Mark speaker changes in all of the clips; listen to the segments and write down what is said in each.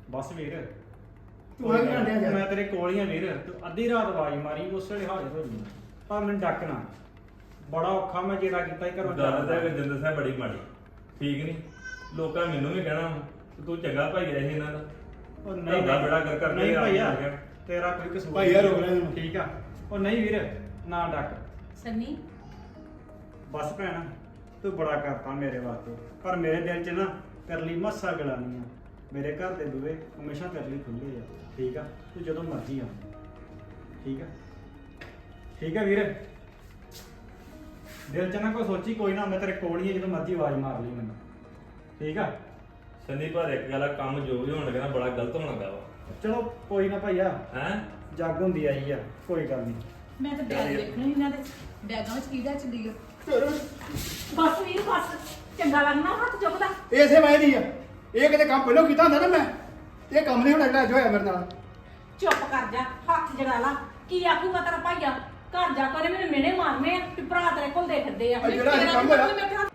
Speaker 1: ਬਸ ਵੀਰ
Speaker 2: ਤੂੰ ਆ ਘੰਟਿਆਂ ਜਾ
Speaker 1: ਮੈਂ ਤੇਰੇ ਕੋਲ ਹੀ ਆ ਵੀਰ, ਤੂੰ ਅੱਧੀ ਰਾਤ ਆਵਾਜ਼ ਮਾਰੀ ਉਸ ਵੇਲੇ ਹਾਜ਼ਰ ਹੋ ਜਾਣਾ, ਪਰ ਮੈਨੂੰ ਡੱਕਣਾ ਬੜਾ ਔਖਾ, ਮੈਂ ਜਿਹੜਾ ਕੀਤਾ ਹੀ ਘਰੋਂ
Speaker 3: ਗੱਲ ਤਾਂ ਜਿੰਦਰ ਸਾਹਿਬ ਬੜੀ ਮਾੜੀ, ਠੀਕ ਨਹੀਂ? ਲੋਕਾਂ ਮੈਨੂੰ ਵੀ ਕਹਿਣਾ ਤੂੰ ਚੰਗਾ ਭਾਈ ਐ ਇਹਨਾਂ ਦਾ।
Speaker 1: ਉਹ ਨਹੀਂ
Speaker 3: ਦਾ ਬੜਾ ਕਰ ਕਰਕੇ
Speaker 1: ਨਹੀਂ
Speaker 3: ਆਪ
Speaker 1: ਭਈਆ
Speaker 3: ਹੋ ਗਿਆ।
Speaker 1: ਤੇਰਾ ਕੋਈ ਕਸੂਰ
Speaker 2: ਭਾਈਆ ਰੋਕ ਲੈ ਇਹਨੂੰ।
Speaker 1: ਠੀਕ ਆ, ਉਹ ਨਹੀਂ ਵੀਰ ਨਾ ਡੱਕ।
Speaker 4: ਸੰਨੀ
Speaker 1: ਬਸ ਭੈਣ ਤੂੰ ਬੜਾ ਕਰਤਾ ਮੇਰੇ ਵਾਸਤੇ, ਪਰ ਮੇਰੇ ਦਿਲ 'ਚ ਨਾ ਤੇਰੇ ਲਈ ਮੱਸਾ ਗਲਾ ਨਹੀਂ ਆ। ਮੇਰੇ ਘਰ ਦੇ ਬੂਹੇ ਹਮੇਸ਼ਾ ਤੇਰੇ ਲਈ ਖੁੱਲੇ ਆ, ਠੀਕ ਆ? ਤੂੰ ਜਦੋਂ ਮਰਜ਼ੀ ਆ, ਠੀਕ ਆ? ਠੀਕ ਆ ਵੀਰ, ਦਿਲ 'ਚ ਨਾ ਕੋਈ ਸੋਚੀ ਕੋਈ ਨਾ, ਮੈਂ ਤੇਰੇ ਕੋਲ ਹੀ ਆ, ਜਦੋਂ ਮਰਜ਼ੀ ਆਵਾਜ਼ ਮਾਰ ਲਈ ਮੈਨੂੰ, ਠੀਕ ਆ?
Speaker 3: ਸੰਨੀ ਪਰ ਇੱਕ ਗੱਲ ਆ, ਕੰਮ ਜੋ ਵੀ ਹੋਣ ਲੱਗਾ ਨਾ ਬੜਾ ਗਲਤ ਹੋਣ ਲੱਗਾ ਵਾ।
Speaker 1: ਚਲੋ ਕੋਈ ਨਾ ਭਾਈਆ,
Speaker 3: ਹੈਂ?
Speaker 1: ਜੱਗ ਹੁੰਦੀ ਆਈ ਆ, ਕੋਈ ਗੱਲ ਨਹੀਂ।
Speaker 4: ਮੈਂ ਤਾਂ ਬੈਗ ਵੇਖਣੇ ਇਹਨਾਂ ਦੇ ਬੈਗਾਂ ਵਿੱਚ ਕਿਹਦਾ ਚੱਲੀ ਬਸ ਵੀਰ ਬਸ, ਚੰਗਾ ਲੱਗਣਾ ਹੱਥ ਚੁੱਕਦਾ।
Speaker 2: ਇਸੇ ਮੈਂ ਦੀ ਆ, ਇਹ ਕਿਤੇ ਕੰਮ ਪਹਿਲਾਂ ਕੀਤਾ ਹੁੰਦਾ ਨਾ ਮੈਂ, ਇਹ ਕੰਮ ਨਹੀਂ ਹੁਣ ਅਗਲਾ ਜੋ ਹੋਇਆ ਮੇਰੇ ਨਾਲ।
Speaker 4: ਚੁੱਪ ਕਰ ਜਾ, ਹੱਥ ਜੜਾ ਲਾ। ਕੀ ਆਖੂਗਾ ਤੇਰਾ ਭਾਈਆ? ਘਰ ਜਾ ਕੇ ਮੈਨੂੰ ਮਿਹਣੇ ਮਾਰਨੇ ਆ ਕਿ ਭਰਾ ਤੇਰੇ ਕੋਲ ਦੇ ਫਿਰਦੇ ਆ।
Speaker 2: ਆ ਜਿਹੜਾ ਇਹ ਕੰਮ ਹੋਇਆ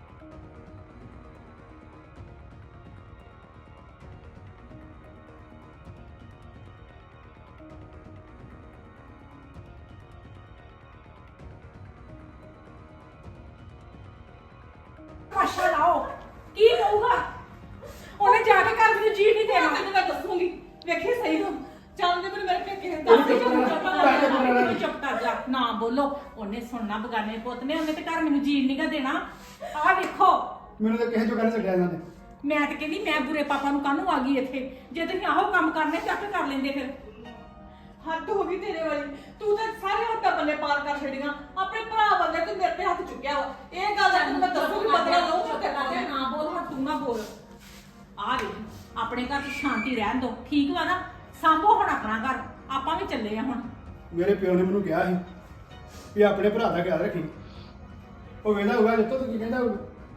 Speaker 4: ਪਾਸ਼ਾ ਲਾਓ, ਕੀ ਕਹੂਗਾ? ਉਹਨੇ ਜਾ ਕੇ ਘਰ ਨੂੰ ਜੀ ਨਹੀਂ ਦੇਣਾ।
Speaker 5: ਤੈਨੂੰ ਮੈਂ ਦੱਸੂਗੀ, ਵੇਖੀ ਸਹੀ ਤੂੰ ਚੱਲਦੇ ਮੈਨੂੰ ਮੇਰੇ ਪੇਕੇ
Speaker 4: ਚੁੱਪ ਕਰ ਜਾ, ਨਾ ਬੋਲੋ। ਉਹਨੇ ਸੁਣਨਾ ਬਗਾਨੇ ਪੁੱਤ ਨੇ, ਉਹਨੇ ਤੇ ਘਰ ਮੈਨੂੰ ਜੀਣ ਨਹੀਂ ਗਾ ਦੇਣਾ। ਆਹ ਵੇਖੋ,
Speaker 2: ਮੈਨੂੰ ਤਾਂ ਕਿਸੇ ਚੋਂ ਕਹਿ ਛੱਡਿਆ ਇਹਨਾਂ ਨੇ।
Speaker 4: ਮੈਂ ਤੇ ਕਹਿੰਦੀ ਮੈਂ ਬੁਰੇ ਪਾਪਾ ਨੂੰ ਕਾਹਨੂੰ ਆ ਗਈ ਇੱਥੇ? ਜੇ ਤੁਸੀਂ ਆਹੋ ਕੰਮ ਕਰਨੇ ਚੱਕ ਕਰ ਲੈਂਦੇ ਫਿਰ।
Speaker 5: ਹੱਦ ਹੋ ਗਈ ਤੇਰੇ ਵਾਲੀ, ਤੂੰ ਤਾਂ ਸਾਰੇ ਹੱਥਾਂ ਪੱਲੇ ਪਾਰ ਕਰ ਛੱਡੀਆਂ। ਆਪਣੇ ਭਰਾ ਬੰਦੇ ਤੂੰ ਮੇਰੇ ਤੇ ਹੱਥ ਚੁੱਕਿਆ ਵਾ। ਇਹ ਗੱਲ ਤੈਨੂੰ ਮੈਂ ਦੱਸੂਗੀ, ਬਦਲਾ ਲਊਂ ਤੇ ਕਰ।
Speaker 4: ਨਾ ਬੋਲ, ਹੁਣ ਤੂੰ ਨਾ ਬੋਲ। ਆ ਵੇ, ਆਪਣੇ ਘਰ 'ਚ ਸ਼ਾਂਤੀ ਰਹਿਣ ਦੋ, ਠੀਕ ਵਾ ਨਾ? ਸਾਂਭੋ ਹੁਣ ਆਪਣਾ ਘਰ, ਆਪਾਂ ਵੀ ਚੱਲੇ ਆ ਹੁਣ।
Speaker 2: ਮੇਰੇ ਪਿਓ ਨੇ ਮੈਨੂੰ ਕਿਹਾ ਸੀ ਵੀ ਆਪਣੇ ਭਰਾ ਦਾ ਖਿਆਲ ਰੱਖੀ। ਉਹ ਵੇਂਦਾ ਹੋਊਗਾ ਜਿੱਤੋਂ ਤੂੰ ਕੀ ਕਹਿੰਦਾ ਹੋਊਗਾ।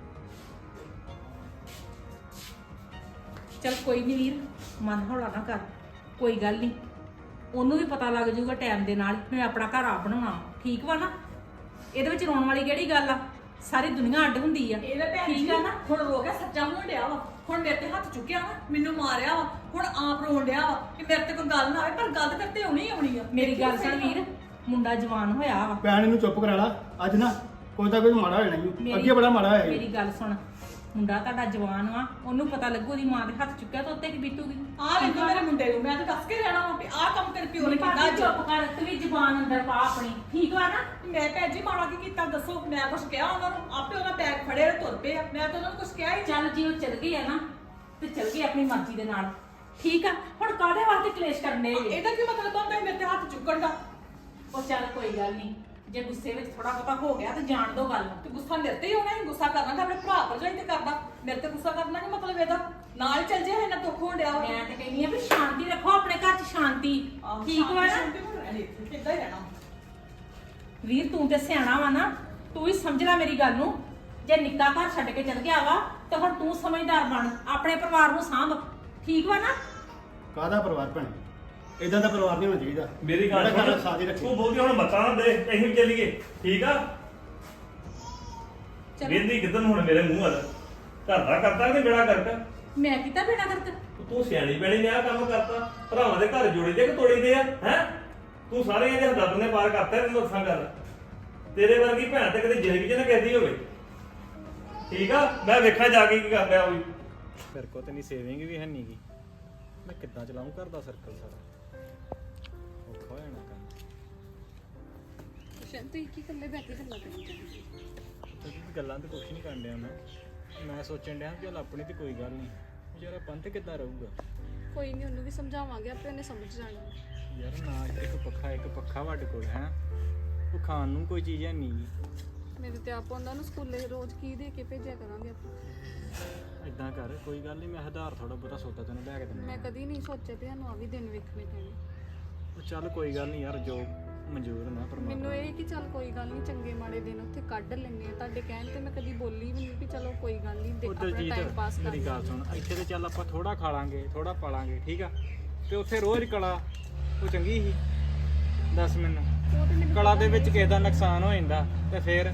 Speaker 4: ਚਲ ਕੋਈ ਨਹੀਂ ਵੀਰ, ਮਨ ਹੌਲਾ ਨਾ ਕਰ, ਕੋਈ ਗੱਲ ਨਹੀਂ। ਉਹਨੂੰ ਵੀ ਪਤਾ ਲੱਗ ਜਾਊਗਾ ਟਾਈਮ ਦੇ ਨਾਲ ਮੈਂ ਆਪਣਾ ਘਰ ਆਪ ਬਣਾਉਣਾ, ਠੀਕ ਵਾ ਨਾ? ਇਹਦੇ ਵਿੱਚ ਰੋਣ ਵਾਲੀ ਕਿਹੜੀ ਗੱਲ ਆ? ਸਾਰੀ ਦੁਨੀਆ ਅੱਡ ਹੁੰਦੀ ਆ,
Speaker 5: ਇਹਦੇ ਭੈਣ
Speaker 4: ਠੀਕ ਆ ਨਾ?
Speaker 5: ਹੁਣ ਰੋ ਗਿਆ, ਸੱਚਾ ਹੋਣ ਡਿਆ ਵਾ। ਹੁਣ ਮੇਰੇ ਤੇ ਹੱਥ ਚੁੱਕਿਆ ਵਾ, ਮੈਨੂੰ ਮਾਰਿਆ ਵਾ, ਹੁਣ ਆਪ ਰੋਣ ਡਿਆ ਵਾ ਕਿ ਮੇਰੇ ਤੇ ਕੋਈ ਗੱਲ ਨਾ ਆਵੇ। ਪਰ ਗੱਲ ਤੇ ਤੇ ਆਉਣੀ ਆਉਣੀ ਆ।
Speaker 4: ਮੇਰੀ ਗੱਲ ਸੁਣ ਵੀਰ, ਮੁੰਡਾ ਜਵਾਨ ਹੋਇਆ ਵਾ।
Speaker 2: ਭੈਣ ਇਹਨੂੰ ਚੁੱਪ ਕਰਾ ਲਾ, ਅੱਜ ਨਾ ਕੋਈ ਤਾਂ ਕੋਈ ਮਾੜਾ ਹੋ ਜਾਣਾ ਈ। ਅੱਗੇ ਬੜਾ ਮਾੜਾ ਹੋਇਆ
Speaker 4: ਮੇਰੀ ਗੱਲ ਸੁਣ, ਮੁੰਡਾ ਤੁਹਾਡਾ ਜਵਾਨ ਵਾ, ਉਹਨੂੰ ਪਤਾ ਲੱਗੂ ਉਹਦੀ ਮਾਂ ਦੇ ਹੱਥ ਚੁੱਕਿਆ ਤਾਂ ਉੱਤੇ ਕੀ ਬੀਤੂਗੀ?
Speaker 5: ਆਹ ਵੇਖੋ ਮੇਰੇ ਮੁੰਡੇ ਨੂੰ, ਮੈਂ ਤਾਂ ਦੱਸ ਕੇ ਰਹਿਣਾ ਵਾ ਵੀ ਆਹ ਕੰਮ ਤੇਰੇ ਪਿਓ ਨੇ ਕੀਤਾ ਅੱਜ।
Speaker 4: ਚੁੱਪ ਕਰ, ਤੂੰ ਵੀ ਜ਼ਬਾਨ ਅੰਦਰ ਪਾ ਆਪਣੀ, ਠੀਕ ਵਾ ਨਾ?
Speaker 5: ਮੈਂ ਭੈਣ ਜੀ ਮਾੜਾ ਕੀ ਕੀਤਾ ਦੱਸੋ? ਮੈਂ ਕੁਛ ਕਿਹਾ ਉਹਨਾਂ ਨੂੰ? ਆਪੇ ਉਹਨਾਂ ਬੈਗ ਫੜੇ ਤੇ ਤੁਰ ਪਏ ਆ। ਮੈਂ ਤਾਂ ਉਹਨਾਂ ਨੂੰ ਕੁਛ ਕਿਹਾ ਹੀ ਨਹੀਂ।
Speaker 4: ਚੱਲ ਜੀ, ਉਹ ਚਲ ਗਏ ਆ ਨਾ ਤੇ ਚਲ ਗਏ ਆਪਣੀ ਮਰਜ਼ੀ ਦੇ ਨਾਲ, ਠੀਕ ਆ? ਹੁਣ ਕਾਹਦੇ ਵਾਸਤੇ ਕਲੇਸ਼ ਕਰਨੇ?
Speaker 5: ਇਹਦਾ ਕੀ ਮਤਲਬ ਹੁੰਦਾ ਮੇਰੇ ਤੇ ਹੱਥ ਚੁੱਕਣ ਦਾ?
Speaker 4: ਉਹ ਚੱਲ ਕੋਈ ਗੱਲ ਨਹੀਂ, ਜੇ ਗੁੱਸੇ ਵਿੱਚ ਥੋੜਾ ਬਹੁਤਾ ਹੋ ਗਿਆ ਤਾਂ ਜਾਣ ਦੋ ਗੱਲ।
Speaker 5: ਤੇ ਗੁੱਸਾ ਮੇਰੇ ਤੇ ਹੀ ਹੋਣਾ ਹੈ। ਗੁੱਸਾ ਕਰਨਾ ਤਾਂ ਆਪਣੇ ਭਰਾ ਭਰਜਾਈ ਤੇ ਕਰਦਾ, ਮੇਰੇ ਤੇ ਗੁੱਸਾ ਕਰਨਾ ਨਹੀਂ ਮਤਲਬ ਇਹਦਾ। ਨਾਲ ਚੱਲ ਜੇ ਇਹਨਾਂ ਦੁੱਖ ਹੋਣ ਡਿਆ ਵਾ।
Speaker 4: ਮੈਂ ਤੇ ਕਹਿੰਦੀ ਆ ਵੀ ਸ਼ਾਂਤੀ ਰੱਖੋ ਆਪਣੇ ਘਰ 'ਚ, ਸ਼ਾਂਤੀ, ਠੀਕ ਵਾ ਨਾ?
Speaker 5: ਕਿੱਦਾਂ ਹੀ ਰਹਿਣਾ।
Speaker 4: ਵੀਰ ਤੂੰ ਤੇ ਸਿਆਣਾ ਵਾ ਨਾ, ਤੂੰ ਹੀ ਸਮਝ ਲੈ ਮੇਰੀ ਗੱਲ ਨੂੰ। ਜੇ ਨਿੱਕਾ ਘਰ ਛੱਡ ਕੇ ਚਲ ਗਿਆ ਵਾ ਤਾਂ ਹੁਣ ਤੂੰ ਸਮਝਦਾਰ ਬਣ, ਆਪਣੇ ਪਰਿਵਾਰ ਨੂੰ ਸਾਂਭ, ਠੀਕ ਵਾ ਨਾ?
Speaker 2: ਕਾਹਦਾ ਪਰਿਵਾਰ ਭੈਣ? ਇਦਾਂ ਦਾ ਪਰਿਵਾਰ ਨਹੀਂ ਹੋਣਾ ਚਾਹੀਦਾ।
Speaker 3: ਮੇਰੀ ਗੱਲ
Speaker 2: ਜਿਹੜਾ
Speaker 3: ਸੁਣ,
Speaker 2: ਸਾਥ ਹੀ ਰੱਖੇ।
Speaker 3: ਤੂੰ ਬੋਲਦੀ ਹੁਣ ਮੱਤਾਂ ਨਾ ਦੇ, ਅਸੀਂ ਵੀ ਚੱਲੀਏ, ਠੀਕ ਆ?
Speaker 4: ਚਲੋ
Speaker 3: ਵੇਂਦੀ ਕਿਦਨ ਹੁਣ ਮੇਰੇ ਮੂੰਹ ਵੱਲ, ਘਰ ਦਾ ਕਰਤਾ ਕਿ ਬੇੜਾ ਕਰਤਾ?
Speaker 4: ਮੈਂ ਕੀਤਾ ਬਿਨਾ ਕਰਤ?
Speaker 3: ਤੂੰ ਸਿਆਣੀ ਬਣੀ ਨੇ ਆਹ ਕੰਮ ਕਰਤਾ। ਭਰਾਵਾਂ ਦੇ ਘਰ ਜੋੜੀ ਦੇ ਕਿ ਤੋੜੀ ਦੇ ਆ? ਹੈ ਤੂੰ ਸਾਰੇ ਇਹਦੇ ਹੱਦਾਂ ਨੇ ਪਾਰ ਕਰਤਾ। ਤੈਨੂੰ ਦੱਸਾਂ ਗੱਲ, ਤੇਰੇ ਵਰਗੀ ਭੈਣ ਤੇ ਕਦੇ ਜ਼ਿੰਦਗੀ 'ਚ ਨਾ ਕਹਿੰਦੀ ਹੋਵੇ, ਠੀਕ ਆ? ਮੈਂ ਵੇਖਾਂ ਜਾ ਕੇ ਕੀ ਕਰ ਰਿਹਾ ਉਹ ਵੀ।
Speaker 1: ਮੇਰੇ ਕੋਲ ਤੇ ਨਹੀਂ ਸੇਵਿੰਗ ਵੀ ਹੈ ਨੀ ਗੀ, ਮੈਂ ਕਿੱਦਾਂ ਚਲਾਉਂ ਘਰ ਦਾ ਸਰਕਲ ਸਾਰਾ? ਔਖਾ ਹੋ ਜਾਣਾ ਕੰਮ।
Speaker 6: ਤੁਸੀਂ ਕੀ ਇਕੱਲੇ ਬੈਠ ਕੇ ਗੱਲਾਂ ਕਰੀ ਜਾਂਦੇ?
Speaker 1: ਗੱਲਾਂ ਤੇ ਕੁਛ ਨਹੀਂ ਕਰਨ ਡਿਆ ਮੈਂ ਸੋਚਣ ਡਿਆ ਕਿ ਚੱਲ ਆਪਣੀ ਤੇ ਕੋਈ ਗੱਲ ਨਹੀਂ, ਯਾਰ ਪੰਥ ਕਿੱਦਾਂ ਰਹੂਗਾ?
Speaker 6: ਕੋਈ ਨਹੀਂ, ਉਹਨੂੰ ਵੀ ਸਮਝਾਵਾਂਗੇ, ਆਪੇ ਉਹਨੇ ਸਮਝ ਜਾਣਾ।
Speaker 1: ਯਾਰ ਨਾ ਇੱਕ ਪੱਖਾ ਸਾਡੇ ਕੋਲ ਹੈ, ਉਹ ਖਾਣ ਨੂੰ ਕੋਈ ਚੀਜ਼ ਹੈ ਨਹੀਂ।
Speaker 6: ਮੇਰੇ ਤੇ ਆਪ ਉਹਨਾਂ ਨੂੰ ਸਕੂਲੇ ਰੋਜ਼ ਕੀ ਦੇ ਕੇ ਭੇਜਿਆ ਕਰਾਂਗੇ ਆਪਾਂ।
Speaker 1: ਇਦਾਂ ਕਰ, ਕੋਈ ਗੱਲ ਨਹੀਂ, ਮੈਂ ਹਜ਼ਾਰ ਥੋੜਾ ਬਹੁਤਾ ਸੌਦਾ ਤੈਨੂੰ ਲੈ ਕੇ ਦਿੰਦਾ।
Speaker 6: ਮੈਂ ਕਦੀ ਨਹੀਂ ਸੋਚਿਆ ਵੀ ਸਾਨੂੰ ਆ ਵੀ ਦਿਨ ਵੇਖਣੇ ਪੈਣੇ।
Speaker 1: ਉਹ ਚੱਲ ਕੋਈ ਗੱਲ ਨਹੀਂ ਯਾਰ, ਜੋ ਮਨਜ਼ੂਰ ਨਾ ਪਰਮਾਤਮਾ।
Speaker 6: ਮੈਨੂੰ ਇਹ ਕਿ ਚੱਲ ਕੋਈ ਗੱਲ ਨਹੀਂ, ਚੰਗੇ ਮਾੜੇ ਦਿਨ ਉੱਥੇ ਕੱਢ ਲੈਣੇ ਆ। ਤੁਹਾਡੇ ਕਹਿਣ ਤੇ ਮੈਂ ਕਦੀ ਬੋਲੀ ਵੀ ਨਹੀਂ ਵੀ ਚਲੋ ਕੋਈ ਗੱਲ ਨਹੀਂ, ਦੇਖ ਆਪਣਾ ਟਾਈਮ ਪਾਸ ਕਰ
Speaker 1: ਮੇਰੀ ਗੱਲ ਸੁਣ, ਇੱਥੇ ਤੇ ਚੱਲ ਆਪਾਂ ਥੋੜਾ ਖਾ ਲਾਂਗੇ, ਥੋੜਾ ਪਾ ਲਾਂਗੇ, ਠੀਕ ਆ? ਤੇ ਉੱਥੇ ਰੋਜ਼ ਕਲਾ ਉਹ ਚੰਗੀ ਸੀ? ਦੱਸ ਮੈਨੂੰ, ਕਲਾ ਦੇ ਵਿੱਚ ਕਿਸੇ ਦਾ ਨੁਕਸਾਨ ਹੋ ਜਾਂਦਾ ਤੇ ਫਿਰ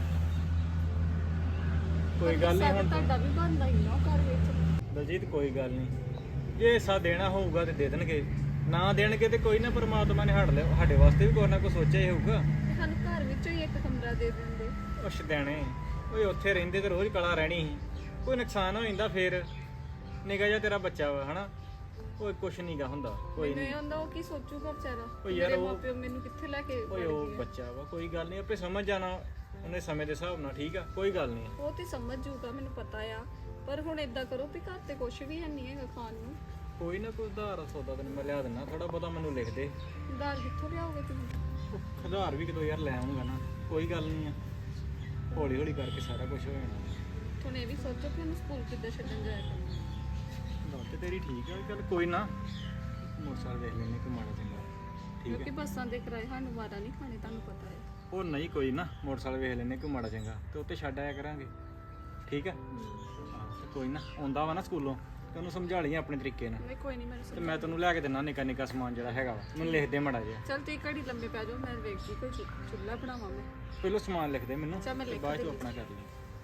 Speaker 1: ਕੋਈ ਗੱਲ ਨਹੀਂ। ਹੁਣ
Speaker 6: ਤੁਹਾਡਾ ਵੀ ਬਣਦਾ ਹੀ ਨਾ ਘਰ ਵਿੱਚ।
Speaker 1: ਦਲਜੀਤ ਕੋਈ ਗੱਲ ਨਹੀਂ,
Speaker 7: ਜੇ ਹਿੱਸਾ ਦੇਣਾ ਹੋਊਗਾ ਤੇ ਦੇ ਦੇਣਗੇ, ਨਾ ਦੇਣਗੇ ਤੇ ਕੋਈ ਨਾ, ਪਰਮਾਤਮਾ ਨੇ ਸਾਡੇ ਵਾਸਤੇ ਵੀ ਕੁਛ ਨਾ ਕੁਛ ਸੋਚਿਆ ਹੀ ਹੋਊਗਾ।
Speaker 6: ਸਾਨੂੰ ਘਰ ਵਿੱਚੋਂ ਹੀ ਇੱਕ ਕਮਰਾ ਦੇ ਦਿੰਦੇ।
Speaker 7: ਉਹ ਸ਼ਦੈਣੇ, ਓਏ ਉੱਥੇ ਰਹਿੰਦੇ ਤੇ ਰੋਜ਼ ਕਲਾ ਰਹਿਣੀ ਸੀ, ਕੋਈ ਨੁਕਸਾਨ ਹੋ ਜਾਂਦਾ ਫੇਰ। ਨਿੱਕਾ ਜਿਹਾ ਤੇਰਾ ਬੱਚਾ ਵਾ ਹਨਾ, ਓਏ ਕੁਛ ਨਹੀਂਗਾ ਹੁੰਦਾ, ਕੋਈ
Speaker 6: ਮੈਨੂੰ
Speaker 7: ਨਹੀਂ।
Speaker 6: ਇਹ ਹੁੰਦਾ ਉਹ ਕੀ ਸੋਚੂਗਾ ਵਿਚਾਰਾ,
Speaker 7: ਓਏ ਯਾਰ
Speaker 6: ਮੇਰੇ
Speaker 7: ਉਹ-
Speaker 6: ਮਾਪਿਓ ਮੈਨੂੰ ਕਿੱਥੇ ਲੈ ਕੇ
Speaker 7: ਓਏ
Speaker 6: ਵੜ
Speaker 7: ਉਹ
Speaker 6: ਗਏ ਆ।
Speaker 7: ਬੱਚਾ ਵਾ, ਕੋਈ ਗੱਲ ਨਹੀਂ, ਆਪੇ ਸਮਝ ਜਾਣਾ ਉਹਨੇ ਸਮੇਂ ਦੇ ਹਿਸਾਬ ਨਾਲ, ਠੀਕ ਆ, ਕੋਈ ਗੱਲ ਨਹੀਂ।
Speaker 6: ਉਹ ਤੇ ਸਮਝ ਜੂਗਾ, ਮੈਨੂੰ ਪਤਾ ਆ। ਪਰ ਹੁਣ ਏਦਾਂ ਕਰੋ ਵੀ ਘਰ ਤੇ ਕੁਝ ਵੀ ਹੈ ਨਹੀਂ ਹੈਗਾ ਖਾਣ ਨੂੰ।
Speaker 7: ਕੋਈ ਨਾ ਕੋਈ ਉਧਾਰ ਸੌਦਾ ਤੈਨੂੰ ਮੈਂ ਲਿਆ ਦਿੰਦਾ, ਥੋੜਾ ਬਹੁਤਾ ਮੈਨੂੰ ਲਿਖ ਦੇ।
Speaker 6: ਦਾਲ ਕਿੱਥੋਂ ਲਿਆਓਗੇ ਤੁਸੀਂ?
Speaker 7: ਉਹ ਉਧਾਰ ਵੀ ਕਿਤੋਂ ਯਾਰ ਲੈ ਆਉਂਗਾ ਨਾ, ਕੋਈ ਗੱਲ ਨਹੀਂ ਆ, ਹੌਲੀ ਹੌਲੀ ਕਰਕੇ ਸਾਰਾ ਕੁਝ ਹੋ ਜਾਣਾ।
Speaker 6: ਹੁਣ ਇਹ ਵੀ ਸੋਚੋ ਕਿ ਉਹਨੂੰ ਸਕੂਲ ਕਿੱਦਾਂ ਛੱਡਣ ਜਾਇਆ ਕਰਨਾ।
Speaker 7: ਗੱਲ ਤੇ ਤੇਰੀ ਠੀਕ ਆ, ਚੱਲ ਕੋਈ ਨਾ, ਮੋਟਰਸਾਈਕਲ ਵੇਖ ਲੈਣੇ ਕਿ ਮਾੜਾ ਚੰਗਾ, ਠੀਕ
Speaker 6: ਕਿਉਂਕਿ
Speaker 7: ਹੈ।
Speaker 6: ਬੱਸਾਂ ਦੇ ਕਿਰਾਏ ਸਾਨੂੰ ਵਾਰਾ ਨਹੀਂ ਖਾਣੇ, ਤੁਹਾਨੂੰ ਪਤਾ ਹੈ।
Speaker 7: ਉਹ ਨਹੀਂ ਕੋਈ ਨਾ, ਮੋਟਰਸਾਈਕਲ ਵੇਖ ਲੈਣੇ ਕਿ ਮਾੜਾ ਚੰਗਾ, ਤੇ ਉੱਤੇ ਛੱਡ ਆਇਆ ਕਰਾਂਗੇ, ਠੀਕ ਆ। ਹਾਂ ਤੇ ਕੋਈ ਨਾ, ਆਉਂਦਾ ਵਾ ਨਾ ਸਕੂਲੋਂ ਤੇ ਉਹਨੂੰ ਸਮਝਾ ਲਈ ਆਪਣੇ ਤਰੀਕੇ ਨਾਲ,
Speaker 6: ਨਹੀਂ ਕੋਈ ਨਹੀਂ, ਮੈਨੂੰ
Speaker 7: ਤੇ ਮੈਂ ਤੈਨੂੰ ਲੈ ਕੇ ਦਿੰਦਾ ਨਿੱਕਾ ਨਿੱਕਾ ਸਮਾਨ ਜਿਹੜਾ ਹੈਗਾ ਵਾ, ਮੈਨੂੰ ਲਿਖ ਦੇ ਮਾੜਾ ਜਿਹਾ।
Speaker 6: ਚੱਲ ਤੇ ਘੜੀ ਲੰਮੇ ਪੈ ਜਾਓ, ਮੈਂ ਵੇਖਦੀ ਕੋਈ ਚੁੱਲ੍ਹਾ ਬਣਾਵਾਂ ਮੈਂ।
Speaker 7: ਪਹਿਲਾਂ ਸਮਾਨ ਲਿਖ ਦੇ ਮੈਨੂੰ,
Speaker 6: ਅੱਛਾ, ਮੈਂ
Speaker 7: ਤੇ
Speaker 6: ਲਿਖ
Speaker 7: ਬਾਅਦ ਚ
Speaker 6: ਦਿੰਦੀ।
Speaker 7: ਆਪਣਾ ਕਰ ਲਈ।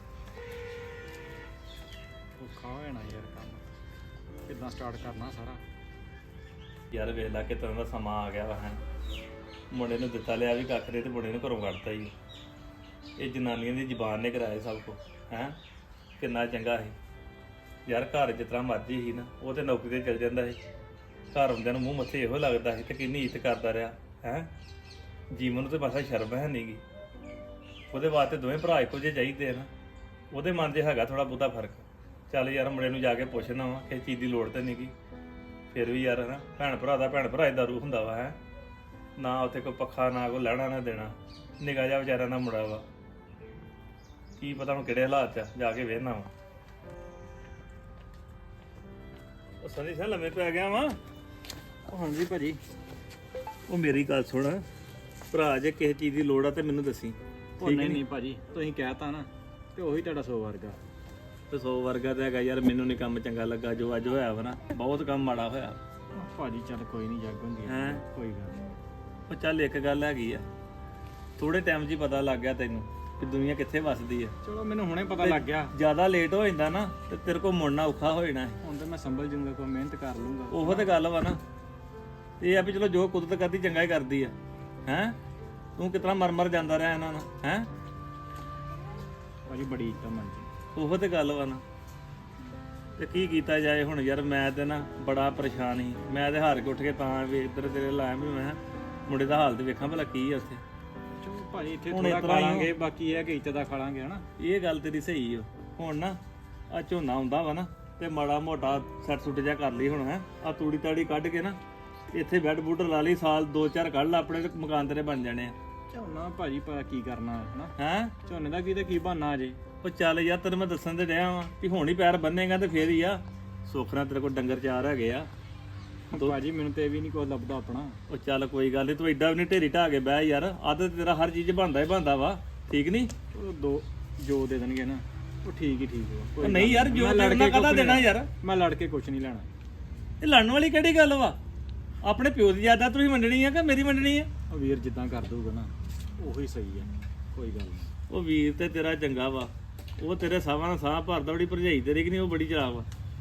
Speaker 7: ਔਖਾ ਹੋ ਜਾਣਾ ਯਾਰ ਕੰਮ, ਕਿੱਦਾਂ ਸਟਾਰਟ ਕਰਨਾ ਸਾਰਾ।
Speaker 3: ਯਾਰ ਵੇਖ ਲਾ ਕਿ ਤੈਨੂੰ ਦਾ ਸਮਾਂ ਆ ਗਿਆ ਵਾ ਹੈ, ਮੁੰਡੇ ਨੂੰ ਦਿੱਤਾ ਲਿਆ ਵੀ ਕੱਖ ਦੇ ਤੇ ਮੁੰਡੇ ਨੂੰ ਘਰੋਂ ਕੱਢਤਾ ਹੀ। ਇਹ ਜਨਾਨੀਆਂ ਦੀ ਜ਼ੁਬਾਨ ਨੇ ਕਰਾਇਆ ਸਭ ਕੁਝ ਹੈ। ਕਿੰਨਾ ਚੰਗਾ ਸੀ ਯਾਰ, ਘਰ ਜਿਸ ਤਰ੍ਹਾਂ ਮਰਜ਼ੀ ਸੀ ਨਾ, ਉਹ ਤੇ ਨੌਕਰੀ ਤੇ ਚਲ ਜਾਂਦਾ ਸੀ, ਘਰ ਹੁੰਦਿਆਂ ਨੂੰ ਮੂੰਹ ਮੱਥੇ ਇਹੋ ਲੱਗਦਾ ਸੀ ਤੇ ਕਿੰਨੀ ਇੱਜ਼ਤ ਕਰਦਾ ਰਿਹਾ ਹੈ। ਜੀਵਨ ਨੂੰ ਤੇ ਬਸ ਸ਼ਰਮ ਹੈ ਨਹੀਂ ਗੀ। ਉਹਦੇ ਵਾਸਤੇ ਦੋਵੇਂ ਭਰਾ ਇੱਕੋ ਜਿਹੇ ਚਾਹੀਦੇ ਆ ਨਾ, ਉਹਦੇ ਮਨ 'ਚ ਹੈਗਾ ਥੋੜਾ ਬਹੁਤਾ ਫਰਕ। ਚੱਲ ਯਾਰ ਮੁੰਡੇ ਨੂੰ ਜਾ ਕੇ ਪੁੱਛਣਾ ਵਾ ਕਿਸੇ ਚੀਜ਼ ਦੀ ਲੋੜ ਤੇ ਨਹੀਂ ਗੀ। ਫਿਰ ਵੀ ਯਾਰ ਹਨਾ, ਭੈਣ ਭਰਾ ਦਾ ਭੈਣ ਭਰਾ ਦਾ ਰੂਹ ਹੁੰਦਾ ਵਾ ਹੈ ਨਾ। ਉੱਥੇ ਕੋਈ ਪੱਖਾ ਨਾ ਕੋਈ ਲੈਣਾ ਨਾ ਦੇਣਾ, ਨਿੱਕਾ ਜਿਹਾ ਵਿਚਾਰਾ ਨਾ ਮੁੰਡਾ ਵਾ, ਕੀ ਪਤਾ ਹੁਣ ਕਿਹੜੇ ਹਾਲਾਤ 'ਚ ਜਾ ਕੇ ਵੇਖਣਾ ਵਾ। ਉਹ ਸੰਦੀ ਸਾਂ ਲੰਮੇ ਪੈ ਗਿਆ ਵਾ।
Speaker 7: ਉਹ ਹਾਂਜੀ ਭਾਜੀ।
Speaker 3: ਉਹ ਮੇਰੀ ਗੱਲ ਸੁਣ ਭਰਾ, ਜੇ ਕਿਸੇ ਚੀਜ਼ ਦੀ ਲੋੜ ਆ ਤੇ ਮੈਨੂੰ ਦੱਸੀ।
Speaker 7: ਉਹ ਨਹੀਂ ਨਹੀਂ ਭਾਜੀ, ਤੁਸੀਂ ਕਹਿਤਾ ਨਾ ਤੇ ਉਹੀ ਤੁਹਾਡਾ 100 ਵਰਗਾ।
Speaker 3: ਤੇ 100 ਵਰਗਾ ਤਾਂ ਹੈਗਾ ਯਾਰ, ਮੈਨੂੰ ਨਹੀਂ ਕੰਮ ਚੰਗਾ ਲੱਗਾ ਜੋ ਅੱਜ ਹੋਇਆ ਵਾ ਨਾ, ਬਹੁਤ ਕੰਮ ਮਾੜਾ ਹੋਇਆ।
Speaker 7: ਭਾਜੀ ਚੱਲ ਕੋਈ ਨਹੀਂ, ਜੱਗ ਹੁੰਦੀ
Speaker 3: ਹੈਂ?
Speaker 7: ਕੋਈ ਗੱਲ ਨਹੀਂ।
Speaker 3: ਉਹ ਚੱਲ ਇੱਕ ਗੱਲ ਹੈਗੀ ਆ, ਥੋੜੇ ਟਾਈਮ 'ਚ ਹੀ ਪਤਾ ਲੱਗ ਗਿਆ ਤੈਨੂੰ ਕਿ ਦੁਨੀਆ ਕਿੱਥੇ ਵੱਸਦੀ ਆ।
Speaker 7: ਚਲੋ ਮੈਨੂੰ ਹੁਣੇ ਪਤਾ ਲੱਗ ਗਿਆ,
Speaker 3: ਜ਼ਿਆਦਾ ਲੇਟ ਹੋ ਜਾਂਦਾ ਨਾ ਤੇ ਤੇਰੇ ਕੋਲ ਮੁੜਨਾ ਔਖਾ ਹੋ ਜਾਣਾ।
Speaker 7: ਹੁਣ ਤਾਂ ਮੈਂ ਸੰਭਲ ਜੂੰਗਾ, ਕੋਈ ਮਿਹਨਤ ਕਰ ਲੂੰਗਾ।
Speaker 3: ਉਹੋ ਤੇ ਗੱਲ ਵਾ ਨਾ, ਇਹ ਆ ਵੀ ਚਲੋ ਜੋ ਕੁਦਰਤ ਕਰਦੀ ਚੰਗਾ ਹੀ ਕਰਦੀ ਆ ਹੈ। ਤੂੰ ਕਿਤਨਾ ਮਰ ਜਾਂਦਾ ਰਿਹਾ ਇਹਨਾਂ ਨਾਲ ਹੈ।
Speaker 7: ਭਾਜੀ ਬੜੀ ਇੱਜ਼ਤ ਮਨ ਚ।
Speaker 3: ਉਹੋ ਤੇ ਗੱਲ ਵਾ ਨਾ, ਤੇ ਕੀ ਕੀਤਾ ਜਾਏ ਹੁਣ ਯਾਰ। ਮੈਂ ਤੇ ਨਾ ਬੜਾ ਪਰੇਸ਼ਾਨ ਸੀ, ਮੈਂ ਤੇ ਹਾਰ ਕੇ ਉੱਠ ਕੇ ਤਾਂ ਵੀ ਇੱਧਰ ਤੇਰੇ ਲਾਇਆ ਵੀ ਮੈਂ ਮੁੰਡੇ ਦਾ ਹਾਲ ਤੇ ਵੇਖਾਂ ਭਲਾ ਕੀ ਆ ਉੱਥੇ।
Speaker 7: ਚਲੋ ਭਾਜੀ ਇੱਥੇ
Speaker 3: ਹੁਣ
Speaker 7: ਥੋੜਾ
Speaker 3: ਇਸ ਤਰ੍ਹਾਂ ਹੀ
Speaker 7: ਖਾਲਾਂਗੇ, ਬਾਕੀ ਇਹ ਕਿ ਇੱਜ਼ਤ ਦਾ ਖਾਲਾਂਗੇ ਹਨਾ।
Speaker 3: ਇਹ ਗੱਲ ਤੇਰੀ ਸਹੀ ਓ। ਹੁਣ ਨਾ ਆ ਝੋਨਾ ਆਉਂਦਾ ਵਾ ਨਾ, ਤੇ ਮਾੜਾ ਮੋਟਾ ਸੱਟ ਸੁੱਟ ਜਾ ਕਰ ਲਈ ਹੁਣ ਹੈ। ਆ ਤੂੜੀ ਤਾੜੀ ਕੱਢ ਕੇ ਨਾ ਇੱਥੇ ਬੈੱਡ ਬੁੱਡ ਲਾ ਲਈ, ਸਾਲ 2-4 ਕੱਢ ਲਾ, ਆਪਣੇ ਤੇ ਮਕਾਨ ਤੇਰੇ ਬਣ ਜਾਣੇ ਆ।
Speaker 7: ਝੋਨਾ ਭਾਜੀ ਪਤਾ ਕੀ ਕਰਨਾ ਹਨਾ,
Speaker 3: ਹੈ
Speaker 7: ਝੋਨੇ ਦਾ ਕੀ ਤੇ ਕੀ ਬਹਾਨਾ ਜੇ।
Speaker 3: ਉਹ ਚੱਲ ਯਾਰ, ਤੈਨੂੰ ਮੈਂ ਦੱਸਣ ਤੇ ਡਿਆ ਵਾਂ ਵੀ ਹੁਣ ਹੀ ਪੈਰ ਬੰਨੇਗਾ ਤੇ ਫੇਰ ਹੀ ਆ। ਸੁੱਖ ਨਾਲ ਤੇਰੇ ਕੋਲ ਡੰਗਰ ਚਾਰ ਹੈਗੇ ਆ।
Speaker 7: ਭਾਜੀ ਮੈਨੂੰ ਤੇ ਇਹ ਵੀ ਨਹੀਂ ਕੋਈ ਲੱਭਦਾ ਆਪਣਾ।
Speaker 3: ਉਹ ਚੱਲ ਕੋਈ ਗੱਲ ਨਹੀਂ, ਤੂੰ ਐਡਾ ਵੀ ਨਹੀਂ ਢੇਰੀ ਢਾ ਕੇ ਬਹਿ ਯਾਰ। ਆਦਤ ਤੇਰਾ ਹਰ ਚੀਜ਼ ਬਣਦਾ ਹੀ ਬਣਦਾ ਵਾ, ਠੀਕ ਨਹੀਂ।
Speaker 7: ਚਲੋ ਦੋ ਜੋ ਦੇ ਦੇਣਗੇ ਨਾ ਉਹ ਠੀਕ ਹੀ ਠੀਕ ਵਾ।
Speaker 3: ਉਹ ਨਹੀਂ ਯਾਰ, ਜੋ
Speaker 7: ਮੈਂ ਲੜ
Speaker 3: ਦੇਣਾ
Speaker 7: ਕੇ
Speaker 3: ਕਾਹਦਾ
Speaker 7: ਕੁਛ
Speaker 3: ਦੇਣਾ
Speaker 7: ਨਹੀਂ
Speaker 3: ਯਾਰ।
Speaker 7: ਮੈਂ ਲੜ ਕੇ ਕੁਛ ਨਹੀਂ ਲੈਣਾ।
Speaker 3: ਇਹ ਲੜਨ ਵਾਲੀ ਕਿਹੜੀ ਗੱਲ ਵਾ? ਆਪਣੇ ਪਿਓ ਦੀ ਯਾਦਾਂ ਤੁਸੀਂ ਮੰਨਣੀ ਆ ਕਿ ਮੇਰੀ ਮੰਨਣੀ ਆ?
Speaker 7: ਉਹ ਵੀਰ ਜਿੱਦਾਂ ਕਰ ਦੂਗਾ ਨਾ ਉਹੀ ਸਹੀ ਆ, ਕੋਈ ਗੱਲ ਨਹੀਂ।
Speaker 3: ਉਹ ਵੀਰ ਤੇ ਤੇਰਾ ਚੰਗਾ ਵਾ, ਉਹ ਤੇਰੇ ਸਾਹਾਂ ਨਾਲ ਸਾਹ ਭਰਦਾ। ਬੜੀ ਭਰਜਾਈ ਤੇਰੀ ਕਿ ਨਹੀਂ, ਉਹ ਬੜੀ ਚਲਾਕ ਵਾ,